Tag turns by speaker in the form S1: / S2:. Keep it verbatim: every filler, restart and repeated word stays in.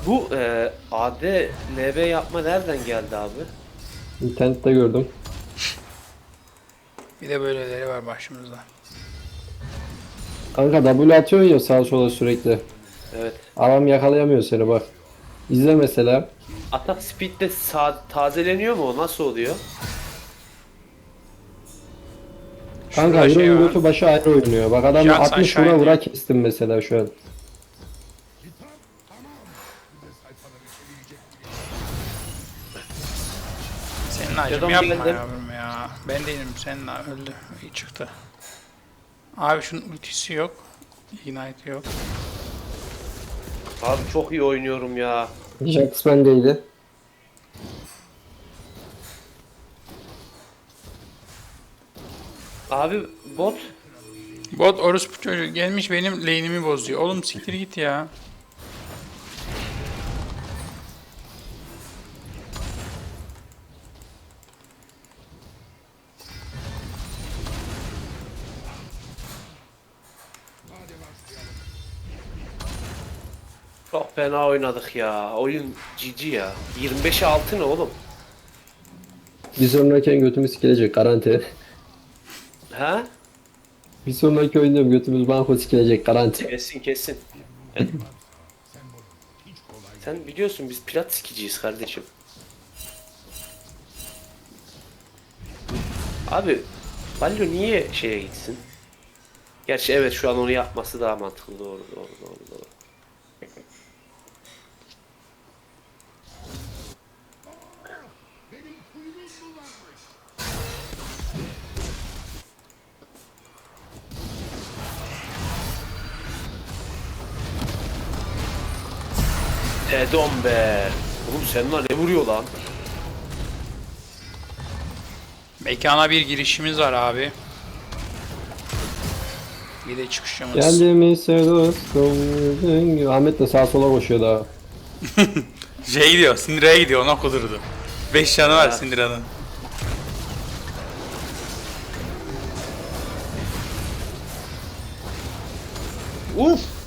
S1: Bu e, A D L B yapma nereden geldi abi?
S2: İnternette gördüm.
S3: Bir de böyleleri var başımızda.
S2: Kanka W atıyorsun ya sağa sola sürekli.
S1: Evet.
S2: Adam yakalayamıyor seni bak. İzle mesela.
S1: Atak speed'de sa- tazeleniyor mu o? Nasıl oluyor?
S2: Kanka
S3: Şurada şey
S2: Euro'nun
S3: var.
S2: götü başı ayrı oynuyor. Bak adam
S3: Jackson
S2: altmış vura
S3: Shine
S2: vura
S3: diyor.
S2: kestim mesela şu an.
S3: Senin acım
S1: Adam
S3: yapma
S1: geldi.
S3: yavrum ya. Ben değilim, senin öldü. İyi çıktı. Abi şunun ultisi yok. Ignite yok.
S1: Abi çok iyi oynuyorum ya.
S2: Jax bendeydi.
S1: Abi bot.
S3: Bot orospu çocuğu gelmiş benim lane'imi bozuyor. Oğlum siktir git ya.
S1: Çok fena oynadık ya. Oyun cici ya. yirmi beşe altı ne oğlum?
S2: Bir sonraki götümüz sikilecek garanti.
S1: He?
S2: Bir sonraki oyunda götümüz banko sikilecek garanti.
S1: Kesin kesin. Sen biliyorsun biz plat sikiciyiz kardeşim. Abi Ballo niye şeye gitsin? Gerçi evet şu an onu yapması daha mantıklı. Doğru doğru doğru doğru. Edom be. Oğlum seninle ne vuruyor lan?
S3: Mekana bir girişimiz var abi. Bir de çıkışımız.
S2: Geldi mi dostum? Ahmet de sağa sola koşuyor daha.
S3: Şey gidiyor, Syndra'ya gidiyor, ona kudurdu. beş canı var
S1: Ha.
S3: Syndra'nın.
S1: Uf!